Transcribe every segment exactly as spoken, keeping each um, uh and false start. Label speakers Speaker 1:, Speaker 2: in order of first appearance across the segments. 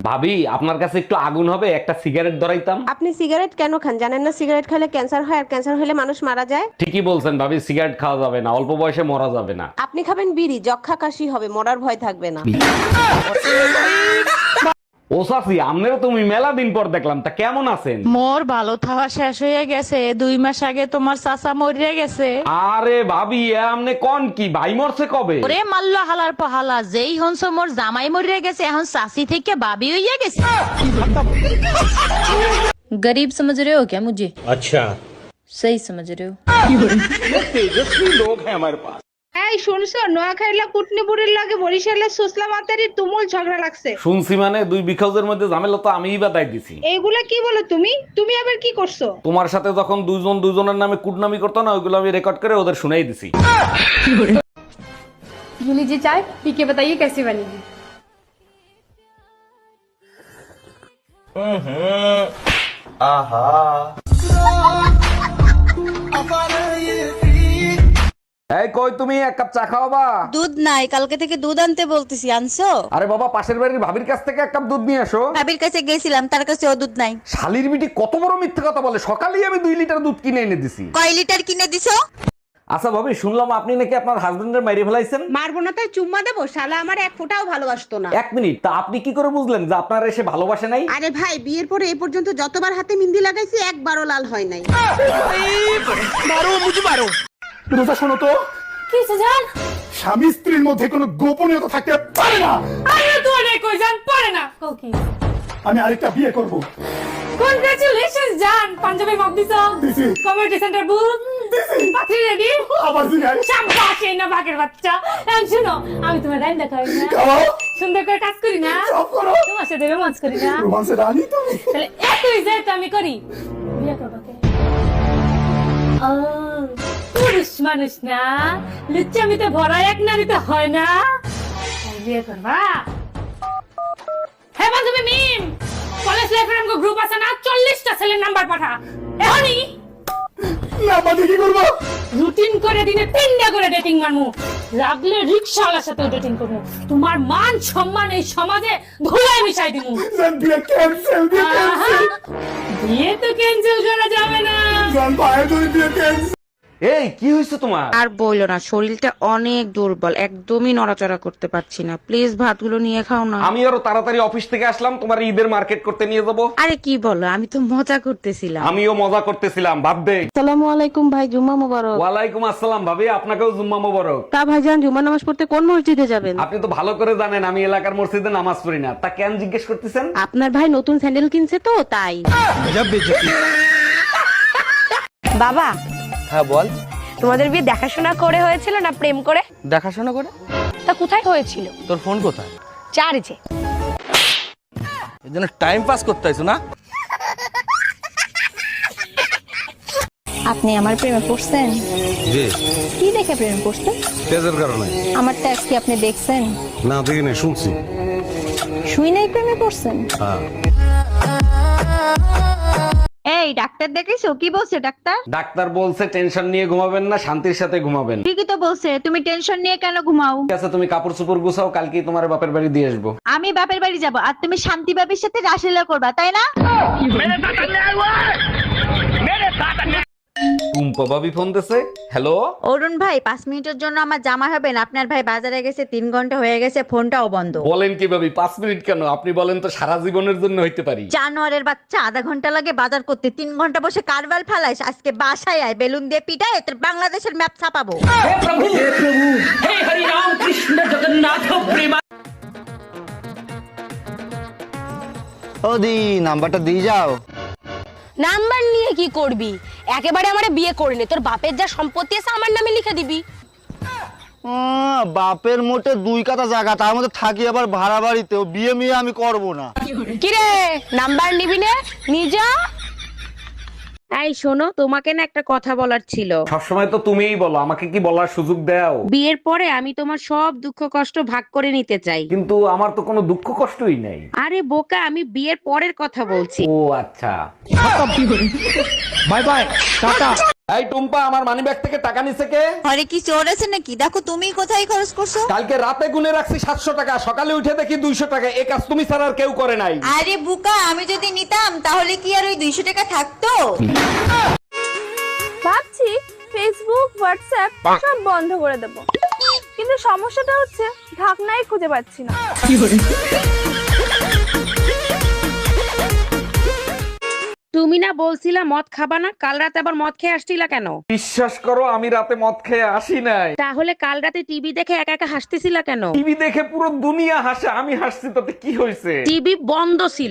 Speaker 1: ভাবি আপনার কাছে একটু আগুন হবে, একটা সিগারেট ধরাইতাম।
Speaker 2: আপনি সিগারেট কেন খান জানেন না? সিগারেট খেলে ক্যান্সার হয়, আর ক্যান্সার হলে মানুষ মারা যায়।
Speaker 1: ঠিকই বলছেন ভাবি, সিগারেট খাওয়া যাবে না, অল্প বয়সে মরা যাবে না।
Speaker 2: আপনি খাবেন বিড়ি, যক্ষা কাশি হবে, মরার ভয় থাকবে না।
Speaker 1: ও চাচি, আমনেরও তুমি মেলা দিন পর দেখলাম, তা কেমন আছেন?
Speaker 3: মোর ভালো থাওয়া শেষ হয়ে গেছে, দুই মাস আগে তোমার চাচা মরিয়া গেছে।
Speaker 1: আরে ভাবি, এ আমনে কোন কি, ভাই মরছে কবে?
Speaker 3: ওরে মাল্লা হালার পাহালা, যেই হনস মোর জামাই মরিয়া গেছে, এখন চাচি থেকে বাবি হইয়া গেছে। गरीब समझ रहे हो क्या मुझे?
Speaker 4: अच्छा,
Speaker 3: सही समझ रहे हो।
Speaker 4: तेजस्वी लोग हैं हमारे पास।
Speaker 5: এই শুনছো, নোয়াখালীলা কুটনিপুরের লাগে বরিশালের সুসলা মাতারির তুমুল ঝগড়া লাগছে।
Speaker 1: শুনছি মানে দুই বিখাউজের মধ্যে ঝামেলা তো আমিই বাদাই দিছি।
Speaker 5: এইগুলা কি বলো তুমি? তুমি আবার কি করছো?
Speaker 1: তোমার সাথে যখন দুইজন দুইজনের নামে কুটনামি করতো না, ওইগুলো আমি রেকর্ড করে ওদের শুনাই দিছি।
Speaker 6: ये लीजिए चाय, पी के बताइए कैसी बनेगी।
Speaker 1: এই কই তুমি, এক কাপ চা খাওয়াবা?
Speaker 7: দুধ নাই, কালকে থেকে দুধ আনতে বলতেছি, আনছো?
Speaker 1: আরে বাবা, পাশের বাড়ির ভাবির কাছ থেকে এক কাপ দুধ নিয়ে আসো।
Speaker 7: ভাবির কাছে গেছিলাম, তার কাছে ও দুধ নাই।
Speaker 1: শালির বিটি কত বড় মিথ্যে কথা বলে, সকালেই আমি দুই লিটার দুধ কিনে এনে দিছি।
Speaker 7: কয় লিটার কিনে দিছো?
Speaker 1: আচ্ছা ভাবি, শুনলাম আপনি নাকি আপনার হাজবেন্ডের মাইরে ফেলাইছেন।
Speaker 2: মারবো না তাই চুম্মা দেবো? শালা আমার এক ফোঁটাও ভালোবাসতো না।
Speaker 1: এক মিনিট, তা আপনি কি করে বুঝলেন যে আপনার এসে ভালোবাসে নাই?
Speaker 2: আরে ভাই, বিয়ের পরে এ পর্যন্ত যতবার হাতে মিন্দি লাগাইছি একবারও লাল হয় নাই।
Speaker 8: রোজা, শোনো তো,
Speaker 3: কিসে জান?
Speaker 8: স্বামী স্ত্রীর মধ্যে কোনো গোপনীয়তা থাকতে পারে না।
Speaker 3: আরে তো অনেক কই জান পড়ে না কোকি।
Speaker 8: আমি আরেকটা বিয়ে করব।
Speaker 3: কনগ্রাচুলেশনস জান, পাঞ্জাবি মগ দিছো,
Speaker 8: দিছি।
Speaker 3: কমিউনিটি সেন্টার বুক
Speaker 8: দিছি।
Speaker 3: পাত্রী রেডি।
Speaker 8: আবার জিগাই।
Speaker 3: শাবাশ, এই না বাকের বাচ্চা। এখন শুনো, আমি তোমার রাইন দেখাই না,
Speaker 8: খাওয়াও।
Speaker 3: সুন্দর করে কাজ করি না,
Speaker 8: সব করো।
Speaker 3: তোমার সাথে রোমান্স করি না,
Speaker 8: রোমান্সের রানী তুমি।
Speaker 3: তাহলে একই যে তো আমি করি। বিয়ে করবা কে? ও, পুরুষ মানুষ না, লুচ্চামিতে ভরা এক নারীতে হয় না, তাই বিয়ে করবা? হ্যাঁ বান্ধবী মিম, কলেজ লাইফের আমগো গ্রুপ আছে না, চল্লিশটা ছেলের নাম্বার পাঠা এখনই।
Speaker 8: না বাদে কি করবো?
Speaker 3: রুটিন করে দিনে তিনটা করে ডেটিং মারমু, লাগলে রিক্সাওয়ালার সাথে ডেটিং করবো, তোমার মান সম্মান এই সমাজে ধুলায় মিশাই দিমু।
Speaker 8: জান, বিয়ে ক্যান্সেল, বিয়ে ক্যান্সেল।
Speaker 3: বিয়ে তো ক্যান্সেল করা যাবে না।
Speaker 8: জান, ভাই তুমি বিয়ে ক্যান্সেল।
Speaker 1: এই কি হয়েছে তোমার?
Speaker 9: আর বইলো না, শরীরটা অনেক দুর্বল, একদমই নড়াচড়া করতে পারছি না। প্লিজ ভাতগুলো নিয়ে খাও না।
Speaker 1: আমি আরো তাড়াতাড়ি অফিস থেকে আসলাম, তোমার ঈদের মার্কেট করতে নিয়ে যাবো।
Speaker 9: আরে কি বলো, আমি তো মজা করতেছিলাম।
Speaker 1: আমিও মজা করতেছিলাম, বাদ দে।
Speaker 2: আসসালামু আলাইকুম ভাই, জুম্মা মোবারক।
Speaker 1: ওয়ালাইকুম আসসালাম ভাবি, আপনাকেও জুম্মা মোবারক।
Speaker 2: তা ভাইজান, জুম্মা নামাজ পড়তে কোন মসজিদে যাবেন?
Speaker 1: আপনি তো ভালো করে জানেন আমি এলাকার মসজিদে নামাজ পড়ি না, তা কেন জিজ্ঞেস করতেছেন?
Speaker 2: আপনার ভাই নতুন স্যান্ডেল কিনছে তো তাই।
Speaker 7: বাবা,
Speaker 10: হ্যাঁ বল।
Speaker 7: তোমাদের বিয়ে দেখাশোনা করে হয়েছিল না প্রেম করে?
Speaker 10: দেখাশোনা করে।
Speaker 7: তা কোথায় হয়েছিল?
Speaker 10: তোর ফোন কোথায়?
Speaker 7: চার্জে।
Speaker 10: এই জন্য টাইম পাস করতে আইছো না?
Speaker 6: আপনি আমার প্রেমে পড়ছেন?
Speaker 10: জি।
Speaker 6: কি দেখে প্রেমে পড়ছেন?
Speaker 10: তেজের কারণে।
Speaker 6: আমার ট্যাক্স কি আপনি দেখছেন?
Speaker 10: না দেখি না, শুনছি।
Speaker 6: শুই নাই প্রেমে পড়ছেন?
Speaker 10: হ্যাঁ।
Speaker 7: এই ডাক্তার দেখেছো? কি বলছে ডাক্তার?
Speaker 1: ডাক্তার বলছে টেনশন নিয়ে ঘুমাবেন না, শান্তির সাথে ঘুমাবেন।
Speaker 7: ঠিকই তো বলছে, তুমি টেনশন নিয়ে কেন ঘুমাও?
Speaker 1: ঠিক আছে, তুমি কাপড় চোপড় গুছাও, কালকেই তোমার বাপের বাড়ি দিয়ে আসবো।
Speaker 7: আমি বাপের বাড়ি যাব আর তুমি শান্তি বাবির সাথে রাসলীলা করবা, তাই না?
Speaker 1: টুম্পা ভাবি ফোন দিছে। হ্যালো
Speaker 7: অরুণ ভাই, পাঁচ মিনিটের জন্য আমার জামা হবেন? আপনার ভাই বাজারে গেছে, তিন ঘন্টা হয়ে গেছে, ফোনটাও বন্ধ।
Speaker 1: বলেন কি ভাবি, পাঁচ মিনিট কেন, আপনি বলেন তো সারা জীবনের জন্য হইতে পারি।
Speaker 7: জানোয়ারের বাচ্চা, আধা ঘন্টা লাগে বাজার করতে, তিন ঘন্টা বসে কারবাল ফেলাইস। আজকে বাসায় আয়, বেলুন দিয়ে পিটায় তোর বাংলাদেশের ম্যাপ ছাপাবো।
Speaker 10: ও দি নাম্বারটা দিয়ে যাও।
Speaker 6: নাম্বার নিয়ে কি করবি? একেবারে আমারে বিয়ে করলে তোর বাপের যা সম্পত্তি আছে আমার নামে লিখে দিবি।
Speaker 10: আহ, বাপের মোটে দুই কাটা জায়গা, তার মধ্যে থাকি আবার ভাড়া বাড়িতে। ও বিয়ে মিয়ে আমি করব না।
Speaker 6: কি রে, নাম্বার নিবি না? নিজা।
Speaker 9: এই শোনো, তোমাকে না একটা কথা বলার ছিল।
Speaker 1: সবসময় তো তুমিই বলো, আমাকে কি বলার সুযোগ দাও?
Speaker 9: বিয়ের পরে আমি তোমার সব দুঃখ কষ্ট ভাগ করে নিতে চাই।
Speaker 1: কিন্তু আমার তো কোনো দুঃখ কষ্টই নাই।
Speaker 9: আরে বোকা, আমি বিয়ের পরের কথা বলছি।
Speaker 1: ও আচ্ছা।
Speaker 8: Bye bye, tata.
Speaker 1: এই টুম্পা, আমার মানিব্যাগ থেকে টাকা নিছে কে?
Speaker 7: ঘরে কি চোর আছে নাকি? দেখো তুমি কোথায় খরচ করছো।
Speaker 1: কালকে রাতে গুনে রাখছি সাতশো টাকা, সকালে উঠে দেখি দুইশো টাকা। এই কাজ তুমি ছাড়া আর কেউ করে নাই।
Speaker 7: আরে বুকা, আমি যদি নিতাম তাহলে কি আর ওই দুইশো টাকা থাকতো?
Speaker 2: ভাবছি ফেসবুক হোয়াটসঅ্যাপ সব বন্ধ করে দেব, কিন্তু সমস্যাটা হচ্ছে ঢাকনাই খুঁজে পাচ্ছি না।
Speaker 9: তুমি না বলছিলা মদ খাবা না, কাল রাতে আবার মদ খেয়ে আসছিলা কেন?
Speaker 1: বিশ্বাস করো, আমি রাতে মদ খেয়ে আসি নাই।
Speaker 9: তাহলে কাল রাতে টিভি দেখে একা একা হাসতেছিলা কেন?
Speaker 1: টিভি দেখে পুরো দুনিয়া হাসে, আমি হাসছি তাতে কি হয়েছে?
Speaker 9: টিভি বন্ধ ছিল।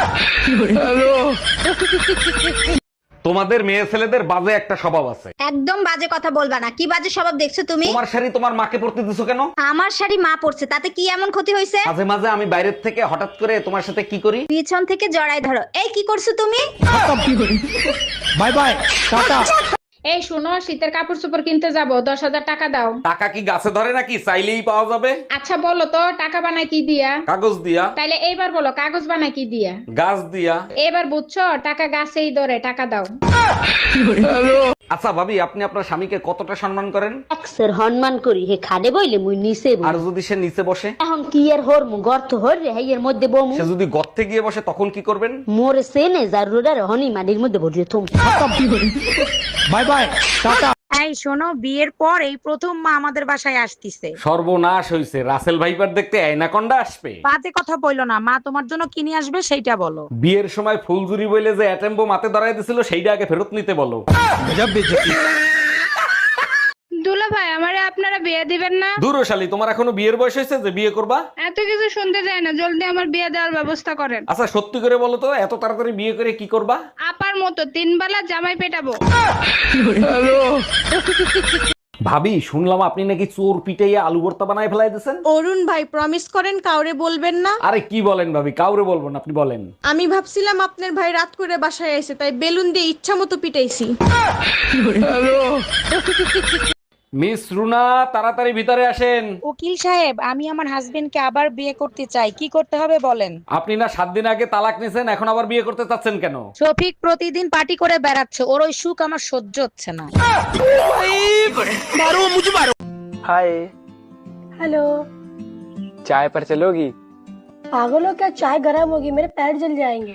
Speaker 1: তোমাদের মেয়ে ছেলেদের বাজে একটা স্বভাব আছে।
Speaker 7: একদম বাজে কথা বলবা না। কি বাজে স্বভাব দেখছো তুমি?
Speaker 1: তোমার শাড়ি তোমার মাকে পরতে দিছো কেন?
Speaker 7: আমার শাড়ি মা পরছে, তাতে কি এমন ক্ষতি হয়েছে?
Speaker 1: মাঝে মাঝে আমি বাইরের থেকে হঠাৎ করে তোমার সাথে কি করি,
Speaker 7: পিছন থেকে জড়াই ধরো। এই কি করছো তুমি?
Speaker 8: Bye bye, tata.
Speaker 5: এই শোনো, শীতের কাপড় চোপড় কিনতে যাব, দশ হাজার টাকা দাও।
Speaker 1: টাকা কি গাছে ধরে নাকি চাইলেই পাওয়া যাবে?
Speaker 5: আচ্ছা বলো তো, টাকা বানায় কি দিয়া?
Speaker 1: কাগজ দিয়া।
Speaker 5: তাইলে এইবার বলো, কাগজ বানায় কি দিয়া?
Speaker 1: গাছ দিয়া।
Speaker 5: এবার বুঝছো, টাকা গাছেই ধরে, টাকা দাও।
Speaker 1: আচ্ছা ভাবি, আপনি আপনার স্বামীকে কতটা সম্মান করেন?
Speaker 6: এক্সের সম্মান করি, হে খাদে বইলে মুই নিচে বই।
Speaker 1: আর যদি সে নিচে বসে?
Speaker 6: এখন কি আর হর মু গর্ত হর রে হেয়ের মধ্যে বমু।
Speaker 1: সে যদি গর্তে গিয়ে বসে তখন কি করবেন?
Speaker 6: মোরে সেনে জারুরার হনি মাটির মধ্যে ভরিয়ে থুম।
Speaker 8: By bye, tata.
Speaker 9: এই শোনো, বিয়ের পর এই প্রথম মা আমাদের বাসায় আসতিছে।
Speaker 1: সর্বনাশ হইছে, রাসেল ভাইপার দেখতে আয়নাকন্ডা আসবে।
Speaker 9: বাজে কথা বইলো না, মা তোমার জন্য কিনে আসবে সেইটা বলো।
Speaker 1: বিয়ের সময় ফুলজুরি বইলে যে অ্যাটেম্বো মাতে ধরাই দিছিল, সেইটা আগে ফেরত নিতে বলো।
Speaker 5: দুলা ভাই, আমারে আপনারা বিয়ে দিবেন না?
Speaker 1: দূরশালী, তোমার এখনো বিয়ের বয়স হয়েছে যে বিয়ে করবা?
Speaker 5: এত কিছু শুনতে চাই না, জলদি আমার বিয়ে দেওয়ার ব্যবস্থা করেন।
Speaker 1: আচ্ছা সত্যি করে বলো তো, এত তাড়াতাড়ি বিয়ে করে কি করবা?
Speaker 5: আপার মতো তিন বেলা জামাই পেটাবো।
Speaker 1: ভাবি, শুনলাম আপনি নাকি চোর পিটাইয়া আলু ভর্তা বানায় ফেলাই দিয়েছেন।
Speaker 2: অরুণ ভাই প্রমিস করেন কাউরে বলবেন না।
Speaker 1: আরে কি বলেন ভাবি, কাউরে বলবো না, আপনি বলেন।
Speaker 2: আমি ভাবছিলাম আপনার ভাই রাত করে বাসায় এসে, তাই বেলুন দিয়ে ইচ্ছা মতো পিটাইছি।
Speaker 1: মিস রুনা, তাড়াতাড়ি ভিতরে আসেন।
Speaker 9: উকিল সাহেব, আমি আমার হাজবেন্ডকে আবার বিয়ে করতে চাই, কি করতে হবে বলেন?
Speaker 1: আপনি না সাত দিন আগে তালাক নিছেন, এখন আবার বিয়ে করতে চাচ্ছেন কেন?
Speaker 9: শফিক প্রতিদিন পার্টি করে বেড়াচ্ছে, ওর ওই সুখ আমার সহ্য হচ্ছে না।
Speaker 10: হাই,
Speaker 2: हेलो,
Speaker 10: চায় पर चलोगी?
Speaker 2: पागल हो क्या? चाय गर्म होगी, मेरे पैर जल जाएंगे।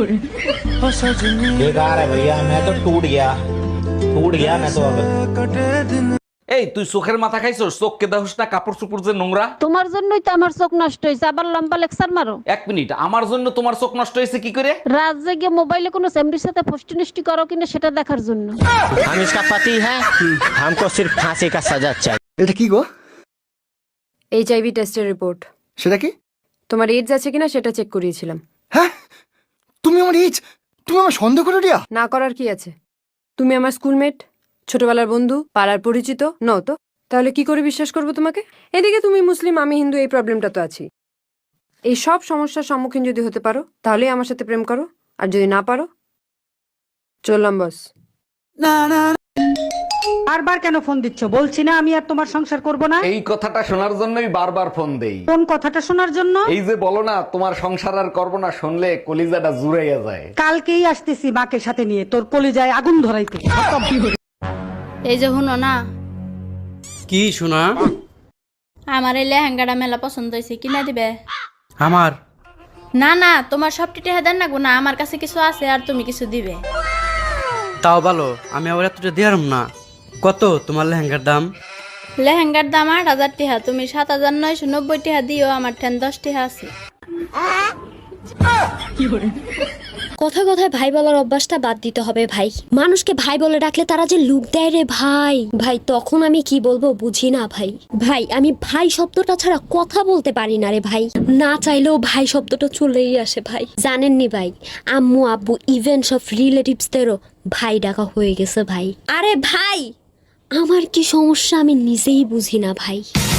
Speaker 4: बेकार है भैया, मैं तो टूट गया टूट गया मैं तो अब।
Speaker 1: এই তুই চোখের মাথা খাইছস? চোখকে দেখোস না কাপড় চোপড় যে নোংরা?
Speaker 6: তোমার জন্যই তো আমার চোখ নষ্ট হয়েছে, আবার লম্বা লেকচার মারো।
Speaker 1: এক মিনিট, আমার জন্য তোমার চোখ নষ্ট হয়েছে কি করে?
Speaker 6: রাত জেগে মোবাইলে কোনো সেমরির সাথে ফষ্টি নষ্টি করো কিনা সেটা দেখার জন্য।
Speaker 4: हम इसका पति है, हमको सिर्फ फांसी का सजा चाहिए।
Speaker 8: এটা কি গো?
Speaker 3: এইচআইভি টেস্টের রিপোর্ট।
Speaker 8: সেটা কি?
Speaker 3: তোমার এইডস আছে কিনা সেটা চেক করিয়েছিলাম।
Speaker 8: হ্যাঁ, তুমি আমার এইজ, তুমি আমার সন্দেহ করে দিয়া?
Speaker 3: না করার কি আছে? তুমি আমার স্কুলমেট, ছোটবেলার বন্ধু, পাড়ার পরিচিত নও তো, তাহলে কি করে বিশ্বাস করবো তোমাকে? এদিকে তুমি মুসলিম, আমি হিন্দু, এই প্রবলেমটা তো আছি। এই সব সমস্যার সম্মুখীন যদি হতে পারো তাহলেই আমার সাথে প্রেম করো, আর যদি না পারো চললাম বস।
Speaker 9: বারবার কেন ফোন দিচ্ছ? বলছি না আমি আর তোমার সংসার করব না।
Speaker 1: এই কথাটা শোনার জন্যই বারবার ফোন দেই।
Speaker 9: কোন কথাটা শোনার জন্য?
Speaker 1: এই যে বলো না তোমার সংসার আর করবো না, শুনলে কলিজাটা জুড়াইয়া যায়।
Speaker 9: কালকেই আসতেছি মাকে সাথে নিয়ে, তোর কলিজায় আগুন ধরাইতে।
Speaker 3: এই যে হুনো না,
Speaker 10: কি শোনা?
Speaker 3: আমার এই লেহেঙ্গাটা মেলা পছন্দ হয়েছে, কিনা দিবে?
Speaker 10: আমার
Speaker 3: না না, তোমার সব টিটে দেন না গো, না আমার কাছে কিছু আছে আর তুমি কিছু দিবে।
Speaker 10: তাও ভালো, আমি আবার এতটা দিয়ারম না। কত তোমার লেহেঙ্গার দাম?
Speaker 3: লেহেঙ্গার দাম আট হাজার টিহা, তুমি সাত হাজার নয়শো নব্বই টিহা দিও, আমার ঠেন দশ টিহা আছে।
Speaker 6: কথা কথায় ভাই বলার অভ্যাসটা বাদ দিতে হবে ভাই। মানুষকে ভাই বলে ডাকলে তারা যে লুক দেয় রে ভাই। ভাই তখন আমি কি বলবো বুঝি না ভাই। ভাই আমি ভাই শব্দটা ছাড়া কথা বলতে পারি না রে ভাই। না চাইলেও ভাই শব্দটা চলেই আসে ভাই। জানেননি ভাই, আম্মু আব্বু ইভেন সব রিলেটিভসদেরও ভাই ডাকা হয়ে গেছে ভাই। আরে ভাই আমার কি সমস্যা আমি নিজেই বুঝি না ভাই।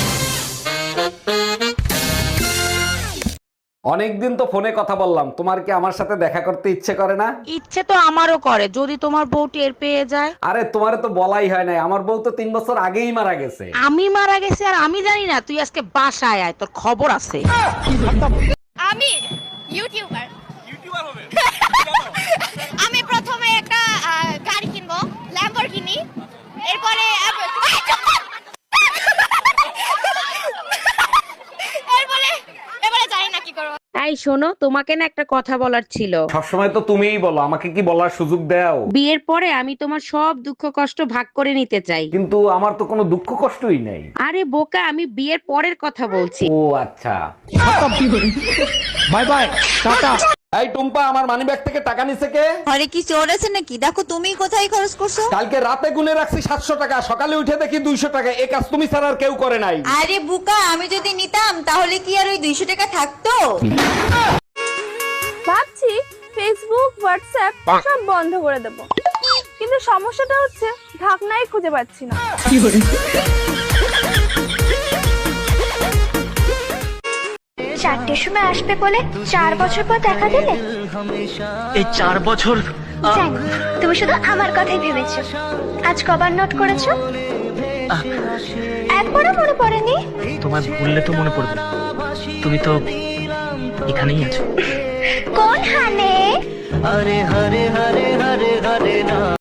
Speaker 1: অনেকদিন তো ফোনে কথা বললাম, তোমার কি আমার সাথে দেখা করতে ইচ্ছে করে না?
Speaker 9: ইচ্ছে তো আমারও করে, যদি তোমার বউ টের পেয়ে যায়।
Speaker 1: আরে তোমারে তো বলাই হয় নাই, আমার বউ তো তিন বছর আগেই মারা গেছে।
Speaker 9: আমি মারা গেছি আর আমি জানি না? তুই আজকে বাসায় আয়, তোর খবর আছে।
Speaker 6: আমি ইউটিউবার ইউটিউবার হবে। আমি প্রথমে একটা গাড়ি কিনবো, ল্যাম্বরগিনি।
Speaker 9: শোনো, তোমাকে না একটা কথা বলার ছিল।
Speaker 1: সবসময় তো তুমিই বলো, আমাকে কি বলার সুযোগ দাও?
Speaker 9: বিয়ের পরে আমি তোমার সব দুঃখ কষ্ট ভাগ করে নিতে চাই।
Speaker 1: কিন্তু আমার তো কোনো দুঃখ কষ্টই নাই।
Speaker 9: আরে বোকা, আমি বিয়ের পরের কথা বলছি।
Speaker 1: ও আচ্ছা। Bye bye, tata. এই টুম্পা, আমার মানিব্যাগ থেকে টাকা নিছে কে?
Speaker 7: ঘরে কি চোর আছে নাকি? দেখো তুমি কোথায় খরচ করছো।
Speaker 1: কালকে রাতে গুনে রাখছি সাতশো টাকা, সকালে উঠে দেখি দুইশো টাকা। এই কাজ তুমি ছাড়া আর কেউ করে নাই।
Speaker 7: আরে বুকা, আমি যদি নিতাম তাহলে কি আর ওই দুইশো টাকা থাকতো?
Speaker 2: ভাবছি ফেসবুক হোয়াটসঅ্যাপ সব বন্ধ করে দেব, কিন্তু সমস্যাটা হচ্ছে ঢাকনাই খুঁজে পাচ্ছি না।
Speaker 6: চারটের সময় আসবে বলে চার বছর পর দেখা দিলে।
Speaker 4: এই চার বছর
Speaker 6: জানি তুমি শুধু আমার কথাই ভেবেছো। আজ কবার নোট করেছো? একবারও মনে পড়েনি?
Speaker 4: তোমায় ভুললে তো মনে পড়বে, তুমি তো এখানেই আছো।
Speaker 6: কোন হানে?
Speaker 4: আরে হরে হরে